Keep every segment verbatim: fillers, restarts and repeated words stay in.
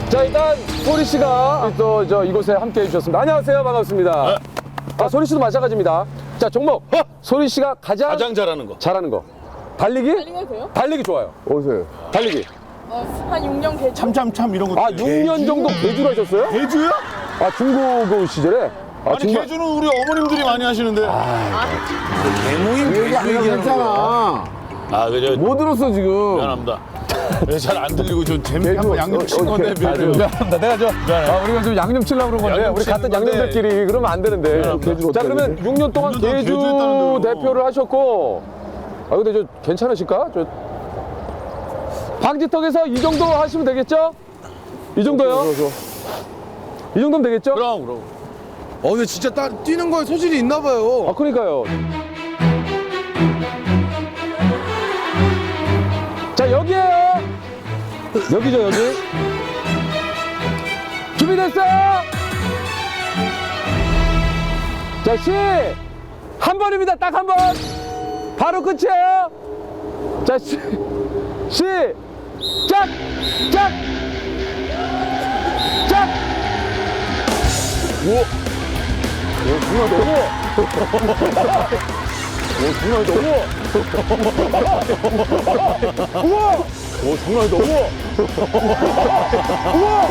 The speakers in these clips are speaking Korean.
자, 일단 소리 씨가 또 저 이곳에 함께 해주셨습니다. 안녕하세요. 반갑습니다. 아, 소리 씨도 마찬가지입니다. 자, 종목. 소리 씨가 가장, 가장 잘하는 거. 잘하는 거. 달리기? 달리기 돼요? 달리기 좋아요. 어디서요? 달리기. 어, 한 육 년 개주. 참참참 이런 거. 아, 육 년 정도 개주를 하셨어요? 개주야? 아, 중고 시절에? 아, 아니 정말- 개주는 우리 어머님들이 많이 하시는데. 개몽이 그 얘기 안 했잖아. 아 그죠. 뭐 들었어 지금? 미안합니다. 잘 안 들리고 좀 재밌게 개주, 한번 양념 어, 친 어, 건데 개- 미안해요. 미안합니다. 내가 저, 아, 우리가 좀 양념 치려고 그런 건데, 양념 우리 같은 치는 건데. 양념들끼리 그러면 안 되는데. 개주를 자, 어떻게 그러면 육 년 동안 육 년 동안 개주 개주했다는데요. 대표를 하셨고, 아, 근데 저 괜찮으실까? 저 방지턱에서 이 정도 하시면 되겠죠? 이 정도요? 이 정도면 되겠죠? 그럼 그럼. 어, 근데 진짜 따, 뛰는 거에 소질이 있나 봐요. 아, 그러니까요. 자, 여기에요. 여기죠, 여기. 준비됐어요? 자, 시! 한 번입니다, 딱 한 번. 바로 끝이에요. 자, 시, 시, 짝! 짝! 짝! 오! 오, 정말 너무. 오, 정말 너무. 우와! 오, 정말 너무. 우와!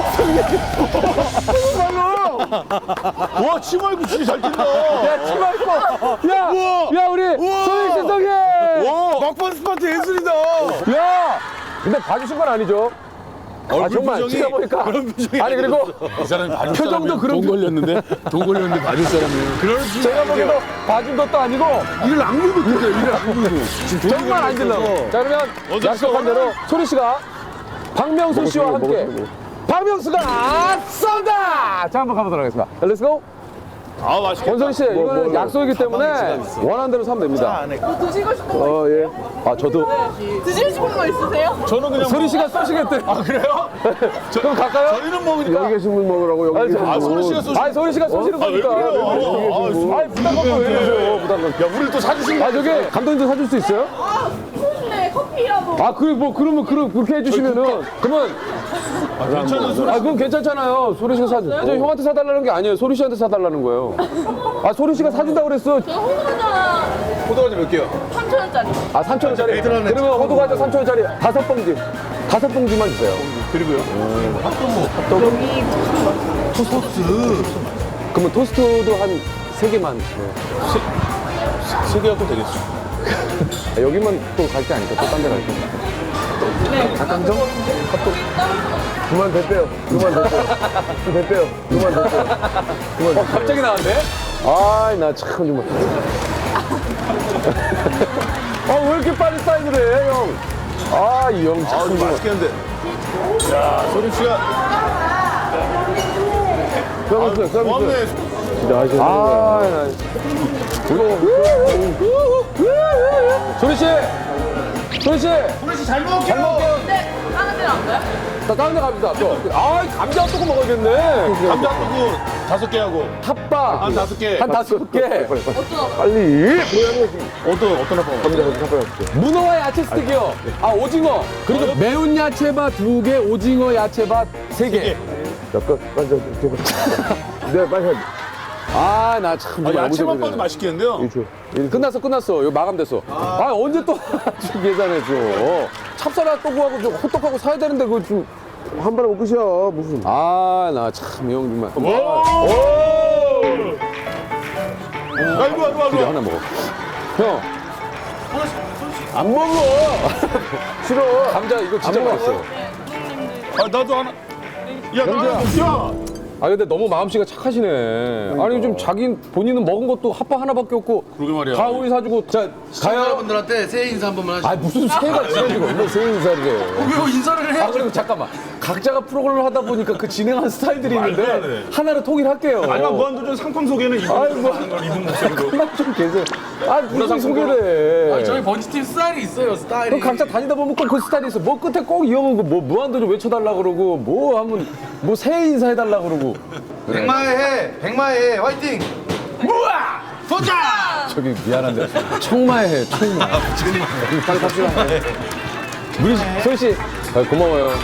정말로! 와 치마입고 진짜 잘 뛴다. 야, 치마 입고. 야! 우와! 야, 우리 소희 신성이! 와 막판 스파트 예술이다. 야! 근데 봐주신 건 아니죠? 아, 얼굴 정말 표정이 제가 보니까. 그런 표정이 아니, 그리고 이 사람이 봐줄 표정도 사람이야. 그런 돈 걸렸는데 돈 걸렸는데 봐줄 사람이에요. 그럴 줄 제가 보기에도 봐준 것도 아니고 이를 악물고 뛰세요. 이를 악물고. 정말 안 질러고. 자, 그러면 어디 약속한 있어? 대로 소리 씨가 박명수 씨와 함께 박명수가 쏜다! 자, 한번 가보도록 하겠습니다. 렛츠고! 아 맛있겠다. 권선희 씨, 이거는 약속이기 때문에 원하는 대로 사면 됩니다. 뭐 드시고 싶은 거, 어, 예. 아, 저도. 드시고 싶은 거 있으세요? 저는 그냥 소리 씨가 쏘시겠대. 아 그래요? 그럼 갈까요? 저희는 먹으니까. 여기 계신 분 먹으라고 여기 아니, 계신 저- 분. 아 소리 씨가 쏘시. 아니, 소리 씨가 쏘시는 아, 왜 거니까. 그래요? 아니, 부담 갖고 왜 이러세요, 부담 갖고. 야 우리를 또 사주신 아, 저기, 감독님도 사줄 수 있어요? 아, 좋은데 커피라도. 아, 그, 뭐, 그러면, 그, 그렇게 해주시면은. 그러면, 괜찮은 소리. 아, 그건 괜찮잖아요. 소리 씨가 사줘. 저 형한테 사달라는 게 아니에요. 소리 씨한테 사달라는 거예요. 아, 소리 씨가 사준다고 그랬어. 저 호두과자 호두과자 몇 개요? 삼천 원짜리. 아, 삼천 원짜리. 애들한테 그러면 호두과자 삼천 원짜리 다섯 봉지. 다섯 봉지만 주세요. 그리고요. 그러면 토스트도 한 세 개만. 네. 세 개 갖고 되겠어. 아, 여기만 또 갈 게 아니까 또 딴 데 갈 게. 닭강정? 그만 됐대요. 그만 됐대요. 됐대요. 그만 됐대요. 어, 갑자기 나왔네? 아이, 나 참 정말. 아, 왜 이렇게 빨리 사인을 해, 형? 아, 이 형 아 참. 이거 정말. 맛있겠는데. 야 소리 씨가 서비스, 서비스. 고맙네. 진짜 하시는 거야. 아, 나. 소리 씨! 소리 씨! 소리 씨잘 먹을게요. 잘 먹게요. 네, 다른 데는 안 가요? 자, 다른 데 갑시다, 또. 아, 감자 핫도그 먹어야겠네. 감자 두고 다섯 개 하고 핫바. 한 다섯 개. 한 다섯 개. 빨리. 어떤 어떤 아빠? 감자 한 문어와 야채 스틱이요. 아, 오징어. 그리고 매운 야채밥 두 개, 오징어 야채밥 세 개. 잠깐, 빨리 좀. 네, 빨리 가. 아, 나 참. 아, 정말 야채만 너무 봐도 재밌네. 맛있겠는데요? 끝났어, 끝났어. 이거 마감됐어. 아, 언제 또 좀 계산해줘. 찹쌀 핫도그하고 좀 호떡하고 사야 되는데 그거 좀. 한 번에 못 끝이야. 무슨. 아, 나 참, 이 형 정말. 오! 야 이거 와 이거 와 이거 이거. 하나 먹어. 형, 안 먹어. 싫어. 감자 이거 진짜 맛있어. 아 나도 하나. 야 나도 야. 아, 근데 너무 마음씨가 착하시네. 아니, 좀 자기 본인은 먹은 것도 핫바 하나밖에 없고. 그러게 말이야. 다 우리 사주고. 자, 가요. 여러분들한테 새해 인사 한 번만 하시죠. 아, 무슨 새해가 지나지고 얼마나 새해 인사를 해. 왜 인사를 해? 아, 그리고 잠깐만. 각자가 프로그램을 하다 보니까 그 진행하는 스타일들이 있는데 말도 안 돼. 하나로 통일할게요. 아까 무한도전 상품 소개는 이분 아이, 뭐. 하는 걸 이분 목소리로. 그만 좀 계세요. 아, 무슨 소개를 해. 아니, 저희 번지팀 스타일이 있어요, 스타일이. 그럼 각자 다니다 보면 꼭 그 스타일이 있어. 뭐 끝에 꼭 이 형은 그뭐 무한도전 외쳐달라 그러고 뭐 하면 뭐 새해 인사해달라 그러고. 백마의 해, 백마의 해, 화이팅! 무아! 도전! 저기 미안한데 청마의 해 청마. 빨리 갑시다. 우리 소희 씨 아, 고마워요.